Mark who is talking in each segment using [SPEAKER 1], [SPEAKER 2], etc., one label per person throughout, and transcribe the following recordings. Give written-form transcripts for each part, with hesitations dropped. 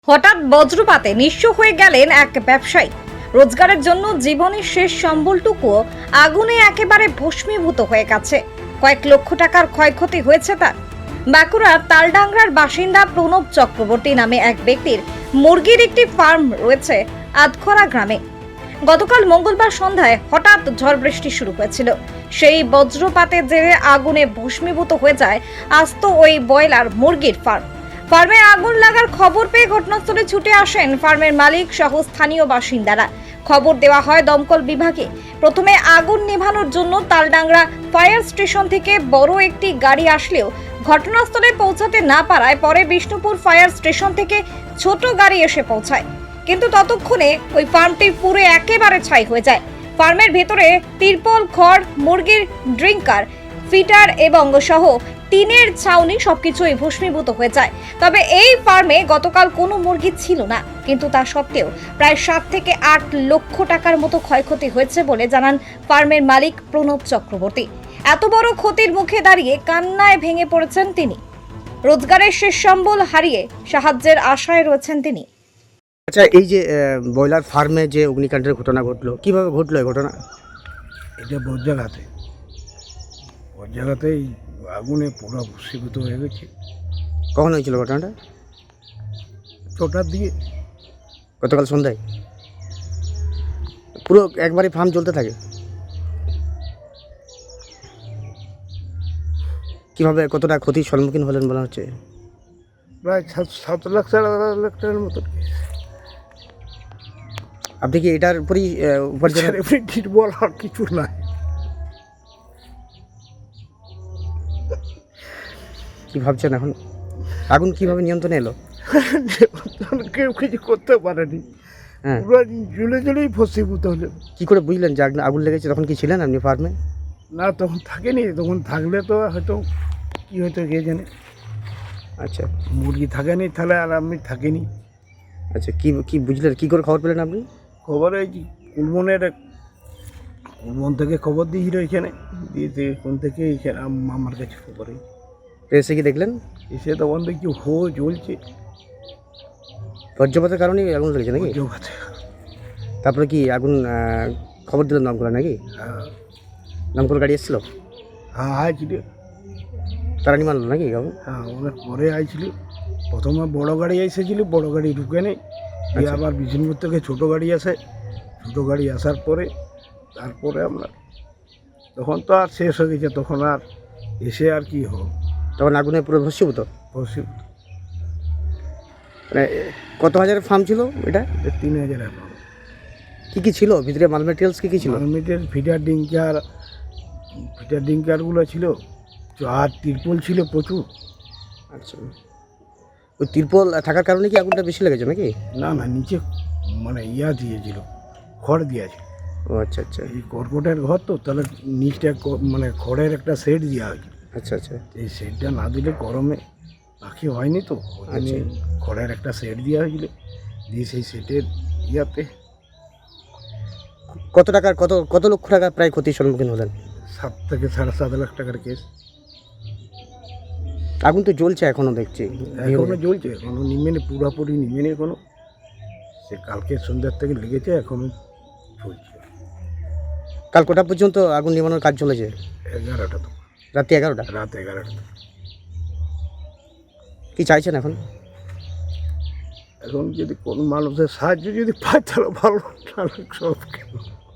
[SPEAKER 1] হঠাৎ বজ্রপাতে নিঃস্ব হয়ে গেলেন এক ব্যবসায়ী। রোজগারের জন্য জীবনের শেষ সম্বলটুকুও আগুনে একেবারে ভস্মীভূত হয়ে গেছে। কয়েক লক্ষ টাকার ক্ষয়ক্ষতি হয়েছে তার। বাঁকুড়ার তালডাংরার বাসিন্দা প্রণব চক্রবর্তী নামে এক ব্যক্তির মুরগির একটি ফার্ম রয়েছে আধখরা গ্রামে। গতকাল মঙ্গলবার সন্ধ্যায় হঠাৎ ঝড় বৃষ্টি শুরু হয়েছিল। সেই বজ্রপাতের জেরে আগুনে ভস্মীভূত হয়ে যায় আস্ত ওই ব্রয়লার মুরগির ফার্ম। ফার্মে আগুন লাগার খবর পেয়ে ঘটনাস্থলে ছুটে আসেন ফার্মের মালিক সহ স্থানীয় বাসিন্দারা। খবর দেওয়া হয় দমকল বিভাগে। প্রথমে আগুন নেভানোর জন্য তালডাংরা ফায়ার স্টেশন থেকে বড় একটি গাড়ি আসলেও ঘটনাস্থলে পৌঁছাতে না পারায় পরে বিষ্ণুপুর ফায়ার স্টেশন থেকে ছোট গাড়ি এসে পৌঁছায়। কিন্তু ততক্ষণে ওই ফার্মটি পুরো একেবারে ছাই হয়ে যায়। ফার্মের ভেতরে তিরপল, খড়, মুরগির ড্রিঙ্কার, ফিটার এবং সহ টিনের ছাউনি সবকিছুই ভস্মীভূত হয়ে যায়। তবে এই ফার্মে গতকাল কোনো মুরগি ছিল না, কিন্তু তা সত্ত্বেও প্রায় 7 থেকে 8 লক্ষ টাকার মতো ক্ষয়ক্ষতি হয়েছে বলে জানান ফার্মের মালিক প্রণব চক্রবর্তী। এত বড় ক্ষতির মুখে দাঁড়িয়ে কান্নায় ভেঙে পড়েছেন তিনি। রোজগারের শেষ সম্বল হারিয়ে সাহায্যের আশায় রয়েছেন তিনি।
[SPEAKER 2] আচ্ছা, এই যে ব্রয়লার ফার্মে যে অগ্নিকাণ্ডের ঘটনা ঘটলো, কিভাবে ঘটলো এই ঘটনা?
[SPEAKER 3] এটা বজ্রাঘাতেই আগুনে পুরো ভস্মীভূত হয়ে গেছে।
[SPEAKER 2] কখন হয়েছিল ঘটনাটা?
[SPEAKER 3] 6টার দিকে।
[SPEAKER 2] গতকাল সন্ধ্যায় পুরো একবারে ফার্ম জ্বলতে থাকে। কিভাবে কতটা ক্ষতির সম্মুখীন হলেন বলা হচ্ছে?
[SPEAKER 3] প্রায় 7 লাখ 7.5 লাখ টাকার মতো।
[SPEAKER 2] আপনি কি এটার উপরই উপার্জন?
[SPEAKER 3] বল আর কিছু নাই।
[SPEAKER 2] কি ভাবছেন এখন? আগুন কিভাবে নিয়ন্ত্রণে এলো?
[SPEAKER 3] কেউ কিছু করতে পারেনি।
[SPEAKER 2] হ্যাঁ,
[SPEAKER 3] পুরো জ্বলেই ভস্মীভূত হলো।
[SPEAKER 2] কি করে বুঝলেন যে আগুন লেগেছে? তখন কি ছিলেন আপনি ফার্মে?
[SPEAKER 3] না, তখন থাকেনি। তখন থাকলে তো হয়তো কি হয়তো কে জানে।
[SPEAKER 2] আচ্ছা
[SPEAKER 3] মুরগি থাকেনি, তাহলে আর আমি থাকিনি।
[SPEAKER 2] আচ্ছা, কি কি বুঝলেন, কি করে খবর পেলেন আপনি?
[SPEAKER 3] খবরে কুলবন থেকে খবর দিয়েছিল এখানে, দিয়েছে কোন থেকে এখানে আমার কাছে খবরে
[SPEAKER 2] এসে কি দেখলেন?
[SPEAKER 3] এসে তখন দেখছি জ্বলছে।
[SPEAKER 2] বজ্রপাতের কারণেই আগুন লেগেছে নাকি?
[SPEAKER 3] বজ্রপাতে।
[SPEAKER 2] তারপরে কি আগুন খবর দিলেন দমকল নাকি?
[SPEAKER 3] হ্যাঁ,
[SPEAKER 2] দমকল গাড়ি এসেছিল?
[SPEAKER 3] হ্যাঁ আইছিল।
[SPEAKER 2] তারা নিমানলো নাকি আগুন?
[SPEAKER 3] হ্যাঁ, অনেক পরে আইছিল। প্রথমে বড় গাড়ি এসেছিল, বড় গাড়ি ঢুকে নেই। দিয়ে
[SPEAKER 2] আচ্ছা।
[SPEAKER 3] আবার বিষ্ণুপুর থেকে ছোটো গাড়ি আসে। ছোটো গাড়ি আসার পরে তারপরে আমরা তখন তো আর শেষ হয়ে গেছে। তখন আর এসে আর কি হোক,
[SPEAKER 2] তখন আগুনে পুরো ভস্মীভূত।
[SPEAKER 3] ভস্মীভূত।
[SPEAKER 2] মানে কত হাজারের ফার্ম ছিল এটা?
[SPEAKER 3] 3,000 এখন।
[SPEAKER 2] কি কি ছিল ভিতরে? মাল মেটেরিয়ালস কি কি ছিল?
[SPEAKER 3] মালমিটের ফিটার ডিঙ্কারগুলো ছিল, আর তিরপল ছিল প্রচুর।
[SPEAKER 2] আচ্ছা, ওই তিরপল থাকার কারণে কি আগুনটা বেশি লেগেছে নাকি?
[SPEAKER 3] না, নিচে মানে দিয়েছিল, খড় দিয়েছে।
[SPEAKER 2] ও আচ্ছা আচ্ছা
[SPEAKER 3] এই কর্কটের ঘর তো, তাহলে নিচটা মানে খড়ের একটা সেট দেওয়া হয়েছিল।
[SPEAKER 2] আচ্ছা আচ্ছা
[SPEAKER 3] এই সেটটা না দিলে গরমে পাখি হয়নি তো,
[SPEAKER 2] আচ্ছা।
[SPEAKER 3] খড়ের একটা সেট দেওয়া হয়েছিল। দিয়ে সেই সেটের ইয়াতে
[SPEAKER 2] কত টাকার কত কত লক্ষ টাকা প্রায় ক্ষতির সম্মুখীন হলেন?
[SPEAKER 3] 7 থেকে 7.5 লাখ টাকার কেস।
[SPEAKER 2] আগুন তো জ্বলছে এখনো দেখছি।
[SPEAKER 3] এখনো জ্বলছে, এখনো নিমেনি, পুরোপুরি নিমেনি এখনো। সে কালকে সন্ধ্যার থেকে লেগেছে, এখনো চলছে।
[SPEAKER 2] কাল কটা পর্যন্ত আগুন নিভানোর কাজ চলেছে?
[SPEAKER 3] 11টা তো,
[SPEAKER 2] রাত্রি 11টা।
[SPEAKER 3] রাত 11টা।
[SPEAKER 2] কি চাইছেন এখন?
[SPEAKER 3] এখন যদি কোন মানুষের সাহায্য যদি পায় তাহলে ভালো, তাহলে সব কেন।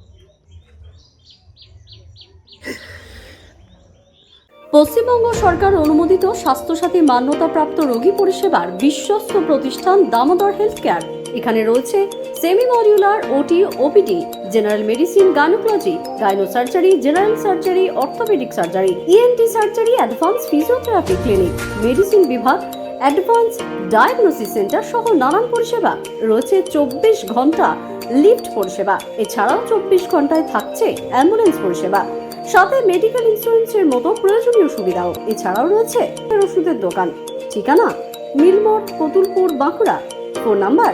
[SPEAKER 4] পশ্চিমবঙ্গ সরকার অনুমোদিত স্বাস্থ্যসাথী মান্যতাপ্রাপ্ত রোগী পরিষেবার বিশ্বস্ত প্রতিষ্ঠান দামোদর হেলথ কেয়ার। এখানে রয়েছে semi modular OT, OPD, general medicine, gynaecology, gynae surgery, general surgery, orthopaedic surgery, ENT surgery, advance physiotherapy clinic, medicine বিভাগ, অ্যাডভান্স ডায়াগনোসিস সেন্টার সহ নানান পরিষেবা রয়েছে। 24 ঘন্টা লিফট পরিষেবা, এছাড়াও 24 ঘন্টায় থাকছে অ্যাম্বুলেন্স পরিষেবা, সাথে মেডিকেল ইন্স্যুরেন্সের মতো প্রয়োজনীয় সুবিধাও। এছাড়াও রয়েছে ওষুধের দোকান। ঠিকানা মিলমোড়, কতুলপুর, বাঁকুড়া। ফোন নাম্বার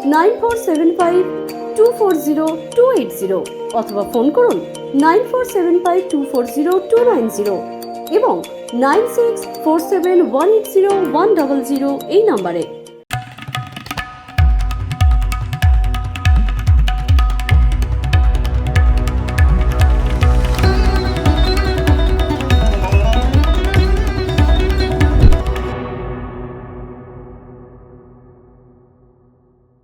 [SPEAKER 4] 9475240280 অথবা ফোন করুন 9475240290 এবং 9647180100 এই নম্বরে।